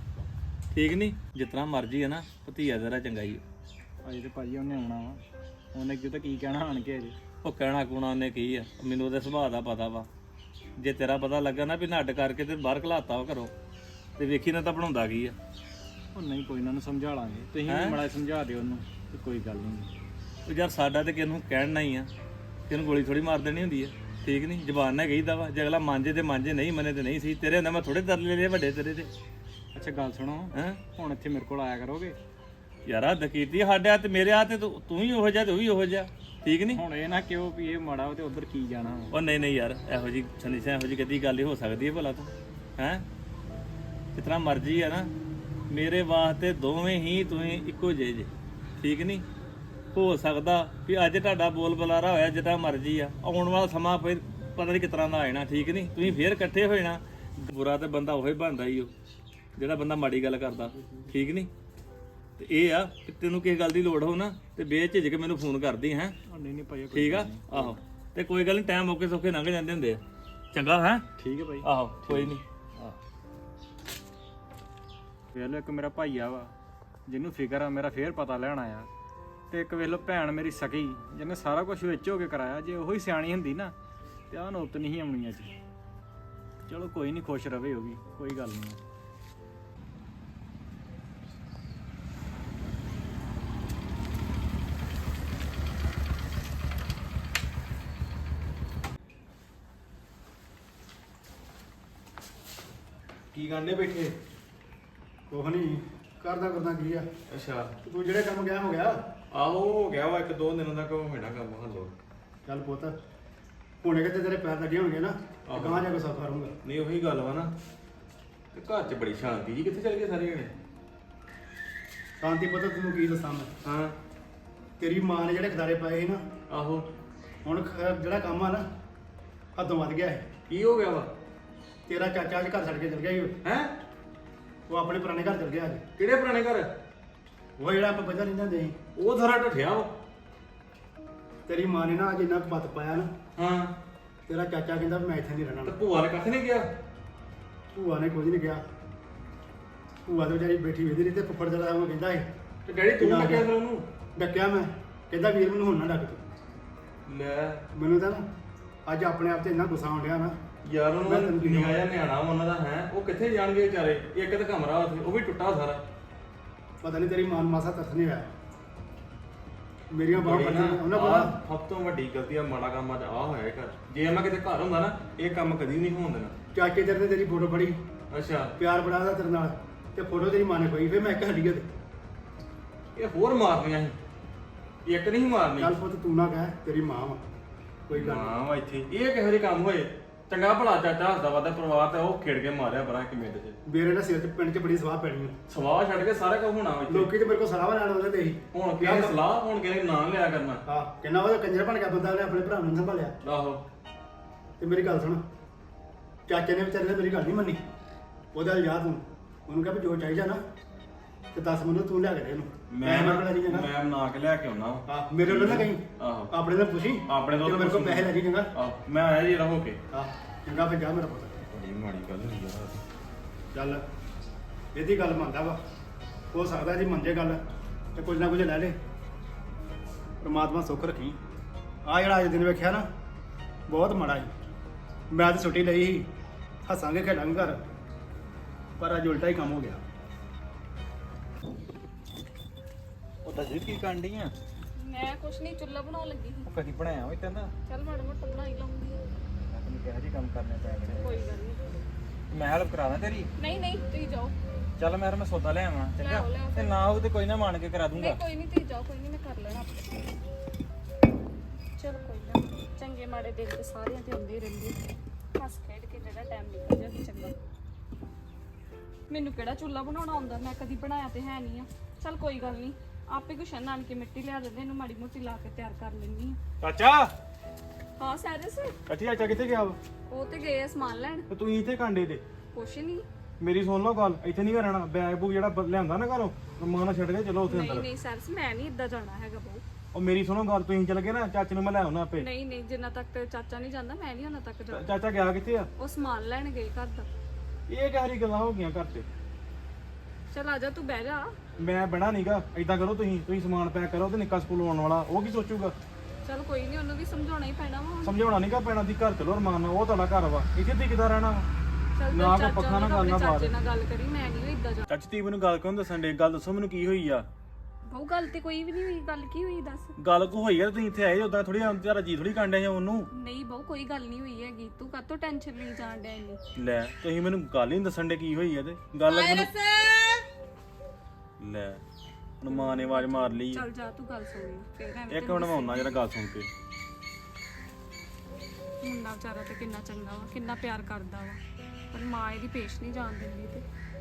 Speaker 3: ਠੀਕ ਨਹੀਂ। ਜਿਤਨਾ ਮਰਜੀ ਆ ਨਾ, ਭਤੀਆ ਤੇਰਾ ਚੰਗਾ ਹੀ ਆ।
Speaker 7: ਅਜੇ ਤੇ ਭਾਜੀ ਉਹਨੇ ਆਉਣਾ ਵਾ, ਉਹਨੇ ਕਿਤੇ ਕੀ ਕਹਿਣਾ ਆਣ ਕੇ ਅਜੇ।
Speaker 3: ਉਹ ਕਹਿਣਾ ਕੁਣਾ ਉਹਨੇ ਕੀ ਆ, ਮੈਨੂੰ ਉਹਦੇ ਸੁਭਾਅ ਦਾ ਪਤਾ ਵਾ। ਜੇ ਤੇਰਾ ਪਤਾ ਲੱਗਾ ਨਾ ਵੀ ਨੱਡ ਕਰਕੇ ਤੇ ਬਾਹਰ ਘਲਾਤਾ ਵਾ ਘਰੋਂ, ਤੇ ਵੇਖੀ ਨਾ ਤਾਂ ਬਣਾਉਂਦਾ ਕੀ ਆ।
Speaker 7: ਉਹ ਨਹੀਂ ਕੋਈ ਨਾ, ਨੂੰ ਸਮਝਾ ਲਾਂਗੇ, ਤੁਸੀਂ ਵੀ ਮਾੜਾ ਸਮਝਾ ਦਿਓ ਉਹਨੂੰ ਤੇ ਕੋਈ ਗੱਲ ਨਹੀਂ।
Speaker 3: ਉਹ ਯਾਰ ਸਾਡਾ ਤੇ ਕਿਹਨੂੰ ਕਹਿਣਾ ਹੀ ਆ, ਕਿਹਨੂੰ ਗੋਲੀ ਥੋੜੀ ਮਾਰ ਦੇਣੀ ਹੁੰਦੀ ਆ, ਠੀਕ ਨਹੀਂ। ਜ਼ਬਾਨ ਨਾਲ ਕਹੀਦਾ ਵਾ, ਜੇ ਅਗਲਾ ਮਾਂਜੇ ਤੇ ਮਾਂਜੇ, ਨਹੀਂ ਮੰਨੇ ਤੇ ਨਹੀਂ ਸੀ। ਤੇਰੇ ਹੁੰਦਾ ਮੈਂ ਥੋੜੇ ਤਰਲੇ ਲਏ ਵੱਡੇ ਤੇਰੇ ਤੇ।
Speaker 7: ਅੱਛਾ ਗੱਲ ਸੁਣੋ,
Speaker 3: ਹੈਂ
Speaker 7: ਹੁਣ ਇੱਥੇ ਮੇਰੇ ਕੋਲ ਆਇਆ ਕਰੋਗੇ।
Speaker 3: ਯਾਰ ਹੱਦ ਕੀਤੀ ਸਾਡੇ ਹੱਥ, ਮੇਰੇ ਹੱਥ ਤੇ ਤੂੰ ਹੀ ਉਹੋ ਜਿਹਾ ਤੇ ਉਹ ਵੀ ਉਹੋ ਜਿਹਾ, ਠੀਕ ਨਹੀਂ।
Speaker 7: ਹੁਣ ਇਹ ਨਾ ਕਿਉਂ ਵੀ ਇਹ ਮਾੜਾ ਵਾ ਤੇ ਉਧਰ ਕੀ ਜਾਣਾ।
Speaker 3: ਉਹ ਨਹੀਂ ਯਾਰ, ਇਹੋ ਜੀ ਸੰਦੀਸਾ ਇਹੋ ਜੀ ਕਦੀ ਗੱਲ ਹੀ ਹੋ ਸਕਦੀ ਹੈ ਭਲਾ ਤੂੰ ਹੈ। ਜਿਤਨਾ ਮਰਜ਼ੀ ਆ ਨਾ, ਮੇਰੇ ਵਾਸਤੇ ਦੋਵੇਂ ਹੀ ਤੁਸੀਂ ਇੱਕੋ ਜਿਹੇ ਜੇ, ਠੀਕ ਨਹੀਂ। ਹੋ ਸਕਦਾ ਵੀ ਅੱਜ ਤੁਹਾਡਾ ਬੋਲ ਬੁਲਾਰਾ ਹੋਇਆ ਜਿੱਦਾਂ ਮਰਜ਼ੀ ਆ, ਆਉਣ ਵਾਲਾ ਸਮਾਂ ਫਿਰ ਪਤਾ ਨਹੀਂ ਕਿਸ ਤਰ੍ਹਾਂ ਦਾ ਆ ਜਾਣਾ, ਠੀਕ ਨਹੀਂ। ਤੁਸੀਂ ਫੇਰ ਇਕੱਠੇ ਹੋ ਜਾਣਾ। ਬੁਰਾ ਤੇ ਬੰਦਾ ਉਹੀ ਬਣਦਾ ਹੀ ਉਹ ਜਿਹੜਾ ਬੰਦਾ ਮਾੜੀ ਗੱਲ ਕਰਦਾ, ਠੀਕ ਨਹੀਂ। ਤੇ ਇਹ ਆ ਕਿ ਤੈਨੂੰ ਕਿਸੇ ਗੱਲ ਦੀ ਲੋੜ ਹੋ ਨਾ ਤੇ ਬੇਝਿਜਕ ਮੈਨੂੰ ਫੋਨ ਕਰਦੀ ਹੈ।
Speaker 7: ਨਹੀਂ ਭਾਈ
Speaker 3: ਠੀਕ ਆ, ਆਹੋ। ਤੇ ਕੋਈ ਗੱਲ ਨਹੀਂ, ਟਾਈਮ ਮੌਕੇ ਸੌਕੇ ਲੰਘ ਜਾਂਦੇ ਹੁੰਦੇ ਆ। ਚੰਗਾ ਹੈ,
Speaker 7: ਠੀਕ ਹੈ ਭਾਈ।
Speaker 3: ਆਹੋ ਕੋਈ ਨਹੀਂ।
Speaker 7: ਵੇਖ ਲਓ ਇੱਕ ਮੇਰਾ ਭਾਈਆ ਵਾ, ਜਿਹਨੂੰ ਫਿਕਰ ਆ ਮੇਰਾ ਫੇਰ ਪਤਾ ਲੈਣ ਆਇਆ। ਤੇ ਇੱਕ ਵੇਖ ਲਓ ਭੈਣ ਮੇਰੀ ਸਕੀ ਜਿਹਨੇ ਸਾਰਾ ਕੁਝ ਵਿੱਚ ਹੋ ਕੇ ਕਰਾਇਆ, ਜੇ ਉਹੀ ਸਿਆਣੀ ਹੁੰਦੀ ਨਾ ਤੇ ਆਹ ਨੌਬਤ ਨਹੀਂ ਆਉਣੀ ਅੱਜ। ਚਲੋ ਕੋਈ ਨਹੀਂ, ਖੁਸ਼ ਰਵੇ ਉਹ ਵੀ, ਕੋਈ ਗੱਲ ਨਹੀਂ।
Speaker 2: ਕੀ ਕਰਨੇ ਬੈਠੇ? ਕੁਛ ਨਹੀਂ ਕਰਦਾ ਕੀ ਆ।
Speaker 3: ਅੱਛਾ
Speaker 2: ਤੂੰ ਜਿਹੜੇ ਕੰਮ ਗਿਆ ਹੋ ਗਿਆ।
Speaker 3: ਆਹੋ ਹੋ ਗਿਆ ਵਾ 1-2 ਦਿਨਾਂ ਤੱਕ ਹੋਣਾ ਕੰਮ ਹੱਲੋ।
Speaker 2: ਚੱਲ ਪੁੱਤ ਹੁਣੇ ਕਿਤੇ ਤੇਰੇ ਪੈਰ ਲੱਗੇ ਹੋਣਗੇ ਨਾ,
Speaker 3: ਆਹੋ।
Speaker 2: ਗਾਂ ਜਾ ਕੇ ਸੌਖਾ ਰਹੂੰਗਾ।
Speaker 3: ਨਹੀਂ ਉਹੀ ਗੱਲ ਵਾ ਨਾ, ਤੇ ਘਰ 'ਚ ਬੜੀ ਸ਼ਾਂਤੀ ਜੀ, ਕਿੱਥੇ ਚਲ ਗਏ ਸਾਰੇ ਜਣੇ?
Speaker 2: ਸ਼ਾਂਤੀ ਪੁੱਤ ਤੈਨੂੰ ਕੀ ਦੱਸਾਂ ਮੈਂ।
Speaker 3: ਹਾਂ
Speaker 2: ਤੇਰੀ ਮਾਂ ਨੇ ਜਿਹੜੇ ਖਦਾਰੇ ਪਾਏ ਸੀ ਨਾ,
Speaker 3: ਆਹੋ
Speaker 2: ਹੁਣ ਜਿਹੜਾ ਕੰਮ ਆ ਨਾ ਹੱਦੋਂ ਵੱਧ ਗਿਆ ਹੈ।
Speaker 3: ਕੀ ਹੋ ਗਿਆ ਵਾ?
Speaker 2: ਤੇਰਾ ਚਾਚਾ ਅੱਜ ਘਰ ਛੱਡ ਕੇ ਚਲ ਗਿਆ ਸੀ।
Speaker 3: ਹੈ
Speaker 2: ਉਹ ਆਪਣੇ ਪੁਰਾਣੇ ਘਰ ਚਲ ਗਿਆ ਅੱਜ।
Speaker 3: ਕਿਹੜੇ ਪੁਰਾਣੇ ਘਰ?
Speaker 2: ਉਹ ਜਿਹੜਾ ਆਪਾਂ ਪਹਿਲਾਂ ਰਹਿੰਦੇ ਹੁੰਦੇ ਸੀ।
Speaker 3: ਉਹ ਸਾਰਾ ਢੱਠਿਆ ਵਾ।
Speaker 2: ਤੇਰੀ ਮਾਂ ਨੇ ਨਾ ਅੱਜ ਇੰਨਾ ਬੱਤ ਪਾਇਆ ਨਾ,
Speaker 3: ਹਾਂ
Speaker 2: ਤੇਰਾ ਚਾਚਾ ਕਹਿੰਦਾ ਵੀ ਮੈਂ ਇੱਥੇ ਨਹੀਂ
Speaker 3: ਤੇ
Speaker 2: ਰਹਿਣਾ।
Speaker 3: ਭੂਆ ਨੇ ਕੱਖ ਨਹੀਂ ਗਿਆ?
Speaker 2: ਭੂਆ ਨੇ ਕੁਝ ਨਹੀਂ ਕਿਹਾ। ਭੂਆ ਤੇ ਵਿਚਾਰੀ ਬੈਠੀ ਵੇਦੀ ਰਹੀ ਤੇ ਫੁੱਫੜ ਜਿਹੜਾ ਉਹ ਕਹਿੰਦਾ ਸੀ
Speaker 3: ਤੇ ਡੈਡੀ ਤੂੰ
Speaker 2: ਨਾ
Speaker 3: ਡੱਕਿਆ
Speaker 2: ਗਿਆ।
Speaker 3: ਫਿਰ ਉਹਨੂੰ?
Speaker 2: ਡੱਕਿਆ ਮੈਂ, ਕਹਿੰਦਾ ਵੀਰ ਮੈਨੂੰ ਹੁਣ ਨਾ ਡੱਕ ਤੂੰ।
Speaker 3: ਲੈ
Speaker 2: ਮੈਨੂੰ ਤਾਂ ਨਾ ਅੱਜ ਆਪਣੇ ਆਪ ਤੇ ਇੰਨਾ ਗੁੱਸਾ ਆਉਣ ਡਿਆ ਨਾ।
Speaker 3: ਯਾਰ
Speaker 2: ਮੈਂ
Speaker 3: ਉਹਨੂੰ
Speaker 2: ਤੈਨੂੰ ਕੀ
Speaker 3: ਨਿਆ ਜਿਹਾ ਨਿਆਣਾ ਵਾ ਉਹਨਾਂ ਦਾ ਹੈ, ਉਹ ਕਿੱਥੇ ਜਾਣਗੇ ਵਿਚਾਰੇ? ਇੱਕ ਤਾਂ ਕਮਰਾ ਉੱਥੇ ਉਹ ਵੀ ਟੁੱਟਾ ਸਾਰਾ।
Speaker 2: ਪਤਾ ਨਹੀਂ ਤੇਰੀ ਮਾਂ ਨੂੰ ਮਾਸਾ ਤਰਸ ਨਹੀਂ ਆਇਆ। ਮੇਰੀਆਂ ਬਾਹਾਂ
Speaker 3: ਬੜੀ
Speaker 2: ਪਈਆਂ
Speaker 3: ਨਾ,
Speaker 2: ਉਹਨਾਂ
Speaker 3: ਆਹ
Speaker 2: ਕੋਲ।
Speaker 3: ਸਭ ਤੋਂ ਵੱਡੀ ਗਲਤੀ ਆ, ਮਾੜਾ ਕੰਮ ਅੱਜ ਆ ਹੋਇਆ ਇਹ ਘਰ। ਜੇ ਮੈਂ ਕਿਤੇ ਘਰ ਹੁੰਦਾ ਨਾ, ਇਹ ਕੰਮ ਕਦੀ ਨਹੀਂ ਹੋਣ ਦੇਣਾ।
Speaker 2: ਚਾਚੇ ਤੇਰੇ ਨੇ ਤੇਰੀ ਫੋਟੋ ਫੜੀ,
Speaker 3: ਅੱਛਾ
Speaker 2: ਪਿਆਰ ਬੜਾ ਉਹਦਾ ਤੇਰੇ ਨਾਲ, ਤੇ ਫੋਟੋ ਤੇਰੀ ਮਾਂ ਨੇ ਪਾਈ। ਫਿਰ ਮੈਂ ਇੱਕ ਹੱਡੀ ਤੇ
Speaker 3: ਇਹ ਹੋਰ ਮਾਰਨੀਆਂ ਸੀ, ਇੱਕ ਨਹੀਂ ਮਾਰਨੀ।
Speaker 2: ਚੱਲ ਪੁੱਤ ਤੂੰ ਨਾ ਕਹਿ, ਤੇਰੀ ਮਾਂ ਵਾ, ਕੋਈ ਗੱਲ ਨਹੀਂ।
Speaker 3: ਹਾਂ ਵਾ ਇੱਥੇ ਇਹ ਕਿਹੋ ਜਿਹੇ ਕੰਮ ਹੋਏ? ਚੰਗਾ ਭਲਾ ਚਾਚਾ ਹੱਸਦਾ ਵੱਧਦਾ ਪਰਿਵਾਰ ਤੇ ਉਹ ਖੇਡ ਕੇ ਮਾਰਿਆ ਬਰਾ ਇੱਕ ਮਿੰਟ 'ਚ।
Speaker 2: ਮੇਰੇ ਨਾਲ ਸਿਰ 'ਚ ਪਿੰਡ 'ਚ ਬੜੀ ਸਵਾਹ ਪੈਣੀ ਆ।
Speaker 3: ਸਵਾਹ ਛੱਡ ਕੇ ਸਾਰਾ ਕੁਝ ਹੋਣਾ ਵਾ ਇੱਥੇ।
Speaker 2: ਲੋਕੀ ਤੇ ਮੇਰੇ ਕੋਲ ਸਲਾਹ ਲੈਣ ਆਉਂਦੇ ਤੇ ਸੀ।
Speaker 3: ਹੁਣ ਕਿਹਨੇ ਸਲਾਹ, ਹੁਣ ਕਿਹਨੇ ਨਾਂ ਲਿਆ ਕਰਨਾ।
Speaker 2: ਹਾਂ ਕਿੰਨਾ ਉਹਦਾ ਕੰਜਰ ਬਣ ਗਿਆ ਬੰਦਾ, ਉਹਨੇ ਆਪਣੇ ਭਰਾ ਨੂੰ ਸੰਭਾਲਿਆ।
Speaker 3: ਆਹੋ
Speaker 2: ਤੇ ਮੇਰੀ ਗੱਲ ਸੁਣ, ਚਾਚੇ ਨੇ ਵਿਚਾਰੇ ਨੇ ਮੇਰੀ ਗੱਲ ਨਹੀਂ ਮੰਨੀ। ਉਹਦਾ ਯਾਦ ਨੂੰ ਉਹਨੂੰ ਕਿਹਾ ਵੀ ਜੋ ਚਾਹੀਦਾ ਨਾ ਤੇ ਦੱਸ ਮੈਨੂੰ, ਤੂੰ ਲਿਆ ਕੇ ਦੇ ਇਹਨੂੰ।
Speaker 3: ਮੈਂ
Speaker 2: ਕਿਹੜਾ ਨਹੀਂ ਜਾਣਾ।
Speaker 3: ਮੈਂ ਬਣਾ ਕੇ ਲਿਆ ਕੇ ਆਉਣਾ।
Speaker 2: ਹਾਂ ਮੇਰੇ ਨਾਲ ਨਾ ਕਹੀਂ,
Speaker 3: ਆਹੋ
Speaker 2: ਆਪਣੇ ਨਾਲ ਪੁੱਛੀ।
Speaker 3: ਆਪਣੇ ਤੋਂ
Speaker 2: ਤੇ ਮੇਰੇ ਕੋਲ ਪੈਸੇ ਲੈ ਜੀ ਚੰਗਾ।
Speaker 3: ਆਹੋ ਮੈਂ ਆਇਆ ਜੀ ਰਹੋ ਕੇ।
Speaker 2: ਹਾਂ ਚੰਗਾ ਫਿਰ ਜਾ ਮੇਰਾ ਪੁੱਤ।
Speaker 3: ਬੜੀ ਮਾੜੀ ਗੱਲ ਹੋਈ ਯਾਰ।
Speaker 2: ਚੱਲ ਇਹਦੀ ਗੱਲ ਮੰਨਦਾ ਵਾ, ਹੋ ਸਕਦਾ ਜੀ ਮੰਨ ਜੇ ਗੱਲ ਤੇ ਕੁਝ ਨਾ ਕੁਝ ਲੈ ਲੈ। ਪਰਮਾਤਮਾ ਸੁੱਖ ਰੱਖੀ। ਆ ਜਿਹੜਾ ਅੱਜ ਦਿਨ ਵੇਖਿਆ ਨਾ, ਬਹੁਤ ਮਾੜਾ ਸੀ। ਮੈਂ ਤਾਂ ਛੁੱਟੀ ਲਈ ਸੀ, ਹੱਸਾਂਗੇ ਖੇਡਾਂਗੇ ਘਰ, ਪਰ ਅੱਜ ਉਲਟਾ ਹੀ ਕੰਮ ਹੋ ਗਿਆ।
Speaker 7: ਉਹ ਦਲਜੀਤ ਕੀ ਕਰਨ ਡਈ ਆ?
Speaker 6: ਮੈਂ ਕੁਛ ਨਹੀਂ, ਚੁੱਲ੍ਹਾ ਬਣਾਉਣ ਲੱਗੀ ਸੀ।
Speaker 7: ਉਹ ਕਦੀ ਬਣਾਇਆ ਹੋਈ ਤੈਨੂੰ?
Speaker 6: ਚੱਲ ਮਾੜਾ ਮੋਟਾ ਬਣਾ ਹੀ ਲਵਾਂਗੀ।
Speaker 7: ਮੈਂ ਤੈਨੂੰ ਕਿਹਾ ਜੀ ਕੰਮ ਕਰਨੇ ਪੈ ਗਏ।
Speaker 6: ਕੋਈ ਗੱਲ ਨਹੀਂ।
Speaker 7: ਮੈਂ ਹੈਲਪ ਕਰਾ ਦਾਂ ਤੇਰੀ?
Speaker 6: ਨਹੀਂ ਨਹੀਂ ਤੁਸੀਂ ਜਾਓ।
Speaker 7: ਚੱਲ ਮੈਂ ਸੌਦਾ ਲੈ ਆਵਾਂ, ਚੰਗਾ?
Speaker 6: ਲਿਆਓ, ਲਿਆਓ
Speaker 7: ਤੇ
Speaker 6: ਫਿਰ।
Speaker 7: ਨਾ ਹੋ ਤੇ ਕੋਈ ਨਾ ਮੰਨ ਕੇ ਕਰਾ ਦੂੰਗਾ।
Speaker 6: ਨਹੀਂ ਕੋਈ ਨਹੀਂ, ਤੁਸੀਂ ਜਾਓ, ਕੋਈ ਨਹੀਂ, ਮੈਂ ਕਰ ਲੈਣਾ ਆਪੇ। ਚਲ ਕੋਈ ਨਾ, ਚੰਗੇ ਮਾੜੇ ਦਿਨ ਤੇ ਸਾਰਿਆਂ ਤੇ ਹੁੰਦੇ ਹੀ ਰਹਿੰਦੇ। ਹੱਸ ਖੇਡ ਕੇ ਜਿਹੜਾ ਟਾਈਮ ਨਿਕਲ ਜਾਵੇ ਚੰਗਾ। ਮੈਨੂੰ ਕਿਹੜਾ ਚੁੱਲ੍ਹਾ ਬਣਾਉਣਾ ਆਉਂਦਾ, ਮੈਂ ਕਦੀ ਬਣਾਇਆ ਤੇ ਹੈ ਨਹੀਂ ਆ। ਚਲ ਕੋਈ ਗੱਲ ਨਹੀਂ, ਆਪੇ ਕੁਛ ਆਣ ਕੇ ਮਿੱਟੀ ਲਿਆ ਦਿੰਦੇ, ਇਹਨੂੰ ਮਾੜੀ ਮੋਟੀ ਲਾ ਕੇ ਤਿਆਰ ਕਰ ਲੈਂਦੀ ਆ।
Speaker 7: ਚਾਚਾ,
Speaker 6: ਹਾਂ ਸੈਰਸ,
Speaker 7: ਚਾਚੀ ਚਾਚਾ ਕਿੱਥੇ ਗਿਆ ਵਾ?
Speaker 6: ਉਹ ਤੇ ਗਏ ਆ ਸਮਾਨ ਲੈਣ।
Speaker 7: ਤੇ ਤੂੰ ਇੱਥੇ ਕਾਂਡੇ ਤੇ?
Speaker 6: ਕੁਛ ਨਹੀਂ।
Speaker 7: ਮੇਰੀ ਸੁਣ ਲਓ ਗੱਲ, ਇੱਥੇ ਨਹੀਂ ਰਹਿਣਾ। ਬੈਗ ਬੂਗ ਜਿਹੜਾ ਲਿਆਂਦਾ ਨਾ ਘਰੋਂ, ਮਾਂ ਨਾਲ ਛੱਡ ਕੇ ਚਲੋ ਉੱਥੇ
Speaker 6: ਨਹੀਂ
Speaker 7: ਅੰਦਰ।
Speaker 6: ਨਹੀਂ ਸੈਰਸ, ਮੈਂ ਨਹੀਂ ਇੱਦਾਂ ਜਾਣਾ ਹੈਗਾ ਬਹੁ।
Speaker 7: ਉਹ ਮੇਰੀ ਸੁਣੋ ਗੱਲ, ਤੁਸੀਂ ਚੱਲ ਗਏ ਨਾ, ਚਾਚੇ ਨੂੰ ਮੈਂ ਲੈ ਆਉਣਾ ਆਪੇ।
Speaker 6: ਨਹੀਂ ਨਹੀਂ, ਜਿੰਨਾ ਤੱਕ ਤੇ ਚਾਚਾ ਨਹੀਂ ਜਾਂਦਾ, ਮੈਂ ਨਹੀਂ ਉਹਨਾਂ ਤੱਕ ਜਾਣਾ।
Speaker 7: ਚਾਚਾ ਗਿਆ ਕਿੱਥੇ ਆ?
Speaker 6: ਉਹ ਸਮਾਨ ਲੈਣ ਗਏ ਘਰ ਦਾ।
Speaker 7: ਇਹ ਕਿਹੜੀ ਗੱਲਾਂ ਹੋ ਗਈਆਂ ਘਰ ਤੇ?
Speaker 6: ਚਲ ਆ ਜਾ, ਤੂੰ ਬਹਿ ਜਾ।
Speaker 7: ਮੈਂ ਬਣਾ ਨਹੀਂਗਾ। ਏਦਾਂ ਕਰੋ, ਤੁਸੀਂ ਸਮਾਨ ਪੈਕ ਕਰੋ ਤੇ ਨਿੱਕਾ ਸਕੂਲ ਆਉਣ ਵਾਲਾ, ਉਹ ਕੀ ਸੋਚੂਗਾ?
Speaker 6: ਚਲ ਕੋਈ ਨਹੀਂ, ਉਹਨੂੰ ਵੀ ਸਮਝਾਉਣਾ ਹੀ ਪੈਣਾ ਵਾ ਹੁਣ।
Speaker 7: ਸਮਝਾਉਣਾ ਨਹੀਂਗਾ ਪੈਣਾ, ਦੀ ਘਰ ਚਲੋ ਰਮਾਨ ਨਾਲ, ਉਹ ਤੁਹਾਡਾ ਘਰ ਵਾ, ਇੱਥੇ ਤੇ ਕਿੱਦਾਂ ਰਹਿਣਾ ਵਾ?
Speaker 6: ਚੱਲ
Speaker 7: ਨਾ
Speaker 6: ਤੇਰੇ
Speaker 7: ਕੋਈ ਪੱਖਾ ਨਾ
Speaker 6: ਚਾਚਾ
Speaker 7: ਗੱਲ ਨਾ ਬਾਤ।
Speaker 6: ਚਾਚੇ ਨਾਲ ਗੱਲ ਕਰੀ, ਮੈਂ ਨਹੀਂ ਇੱਦਾਂ ਜਾ।
Speaker 7: ਚਾਚੀ ਤੀ ਮੈਨੂੰ ਗੱਲ ਕਿਉਂ ਦੱਸਣ ਦੇ? ਗੱਲ ਦੱਸੋ ਮੈਨੂੰ, ਕੀ ਹੋਈ ਆ?
Speaker 6: ਬਹੁ ਗੱਲ ਤੇ ਕੋਈ ਵੀ ਨਹੀਂ ਹੋਈ, ਗੱਲ ਕੀ ਹੋਈ ਦੱਸ।
Speaker 7: ਗੱਲ ਕੋ ਹੋਈ ਆ, ਤੁਸੀਂ ਇੱਥੇ ਆਏ ਉਦਾਂ ਥੋੜੀ ਤੁਹਾਡਾ ਜੀ ਥੋੜੀ ਕਾਂਡਿਆ ਜਾਂ ਉਹਨੂੰ।
Speaker 6: ਨਹੀਂ ਬਹੁ ਕੋਈ ਗੱਲ ਨਹੀਂ ਹੋਈ ਹੈਗੀ, ਤੂੰ ਕਾਹਤੋਂ ਟੈਨਸ਼ਨ ਲਈ ਜਾਣ ਡਿਆ ਇੰਨੀ।
Speaker 7: ਲੈ ਤੁਸੀਂ ਮੈਨੂੰ ਗੱਲ ਹੀ ਨਹੀਂ ਦੱਸਣ ਦੇ ਕੀ ਹੋਈ ਆ ਤੇ ਗੱਲ ਮੈਨੂੰ। ਲੈ ਹੁਣ ਮਾਂ ਨੇ ਆਵਾਜ਼ ਮਾਰ ਲਈ।
Speaker 6: ਚੱਲ ਜਾ, ਤੂੰ ਗੱਲ ਸੁਣੀ ਫੇਰ ਐਵੇਂ।
Speaker 7: ਇੱਕ ਮਿੰਟ ਮੈਂ ਆਉਣਾ ਜਰਾ ਗੱਲ ਸੁਣ ਕੇ।
Speaker 6: ਮੁੰਡਾ ਵਿਚਾਰਾ ਤੇ ਕਿੰਨਾ ਚੰਗਾ ਵਾ, ਕਿੰਨਾ ਪਿਆਰ ਕਰਦਾ ਵਾ, ਪਰ ਮਾਂ ਇਹਦੀ ਪੇਸ਼ ਨਹੀਂ ਜਾਣ ਦਿੰਦੀ ਤੇ